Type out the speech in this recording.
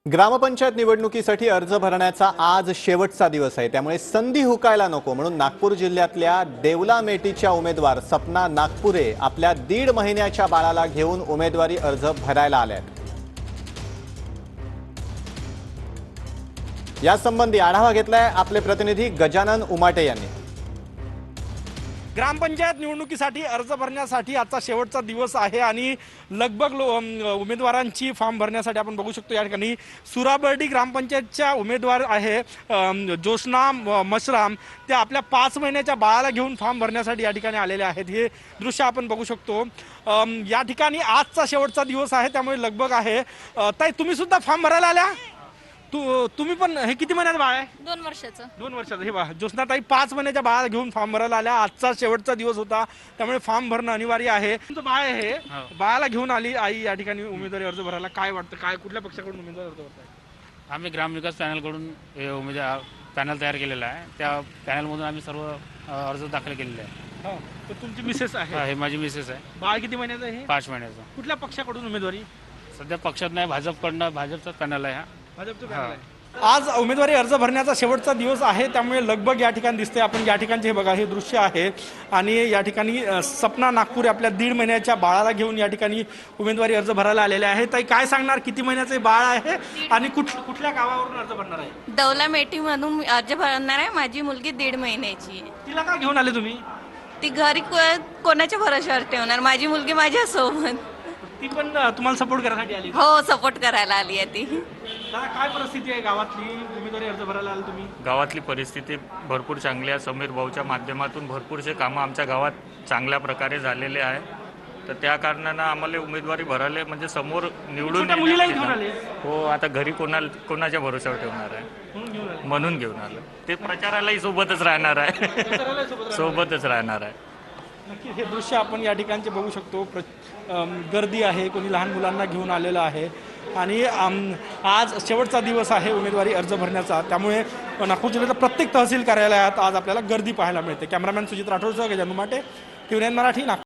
ग्रामपंचायत निवडणुकीसाठी अर्ज भरण्याचा आज शेवटचा दिवस आहे। त्यामुळे संधी हुकायला नको म्हणून नागपूर जिल्ह्यातल्या देवला मेटीच्या उमेदवार सपना नागपुरे आपल्या 1.5 महिन्याच्या बाळाला घेऊन उमेदवारी अर्ज भरायला आल्यात। यासंबंधी आढावा घेतलाय आपले प्रतिनिधी गजानन उमाटे यांनी। ग्रामपंचायत निवडणुकीसाठी अर्ज भरण्यासाठी आजचा शेवटचा दिवस आहे आणि लगभग उमेदवारांची फॉर्म भरण्यासाठी आपण बघू शकतो या ठिकाणी सुराबर्डी ग्रामपंचायतच्या उमेदवार आहे जोशना मशराम, त्या आपल्या 5 महिन्याच्या बाळाला घेऊन फॉर्म भरण्यासाठी या ठिकाणी आलेले आहेत। हे दृश्य आपण बघू शकतो। या ठिकाणी आजचा शेवटचा दिवस आहे त्यामुळे लगबग आहे। ताई, तुम्ही सुद्धा फॉर्म भरायला आल्या? तुम्ही पण हे किती महिन्याचं बाळ आहे? 2 वर्षाचं। 2 वर्षाचं। हे बघा, ज्योत्स्ना ताई 5 महिन्याच्या बाळाला घेऊन फॉर्म भरायला आल्या। आजचा शेवटचा दिवस होता त्यामुळे फॉर्म भरणं अनिवार्य आहे। तुमचं बाळ आहे, बाळाला घेऊन आली आई या ठिकाणी उमेदवारी अर्ज भरायला। काय वाटतं, काय कुठल्या पक्षाकडून उमेदवारी अर्ज भरताय? आम्ही ग्रामविकास पॅनलकडून उमेदवार पॅनल तयार केलेला आहे। त्या पॅनलमधून आम्ही सर्व अर्ज दाखल केलेले आहे। तर तुमची मिसेस आहे? हे माझी मिसेस आहे। बाळ किती महिन्याचं आहे? 5 महिन्याचं। कुठल्या पक्षाकडून उमेदवारी? सध्या पक्षात नाही, भाजपकडनं, भाजपचाच पॅनल आहे हा। भाजपचं पॅनल आहे। आज उमेदवारी अर्ज भरण्याचा शेवटचा दिवस आहे त्यामुळे लगबग या ठिकाणी दिसते। आपण या ठिकाणचे हे बघा, हे दृश्य आहे आणि या ठिकाणी सपना नागपुरे आपल्या 1.5 महिन्याच्या बाळाला घेऊन या ठिकाणी उमेदवारी अर्ज भरायला आलेले आहे। ताई, काय सांगणार, किती महिन्याचे बाळ आहे आणि कुठल्या गावावरून अर्ज भरणार आहे? दौला मेटी मधून अर्ज भरणार आहे। माझी मुलगी 1.5 महिन्याची आहे। तिला का घेऊन आले तुम्ही? ती घरी कोणाच्या भरोश्यावर ठेवणार? माझी मुलगी माझ्यासोबत। ती पण तुम्हाला सपोर्ट करण्यासाठी आली? हो, सपोर्ट करायला आली आहे ती। दादा, काय परिस्थिती आहे गावातली? उमेदवारी अर्ज भरायला आले तुम्ही? गावातली परिस्थिती भरपूर चांगली आहे। समीर भाऊच्या माध्यमातून भरपूरसे कामं आमच्या गावात चांगल्या प्रकारे झालेले आहे। तर त्या कारणानं आम्हाला उमेदवारी भरायला म्हणजे समोर निवडून छोट्या मुलीलाही घेऊन आले? हो, आता घरी कोणाच्या भरोश्यावर ठेवणार आहे म्हणून घेऊन आलं। ते प्रचारालाही सोबतच राहणार आहे सोबतच राहणार आहे। नक्की हे दृश्य आपण या ठिकाणचे बघू शकतो। गर्दी आहे, कोणी लहान मुलांना घेऊन आलेलं आहे आणि आज शेवटचा दिवस आहे उमेदवारी अर्ज भरण्याचा। त्यामुळे नागपूर जिल्ह्याच्या प्रत्येक तहसील कार्यालयात आज आपल्याला गर्दी पाहायला मिळते। कॅमेरामॅन सुजित राठोडसह गजानन उमाटे, TVN मराठी, नागपूर।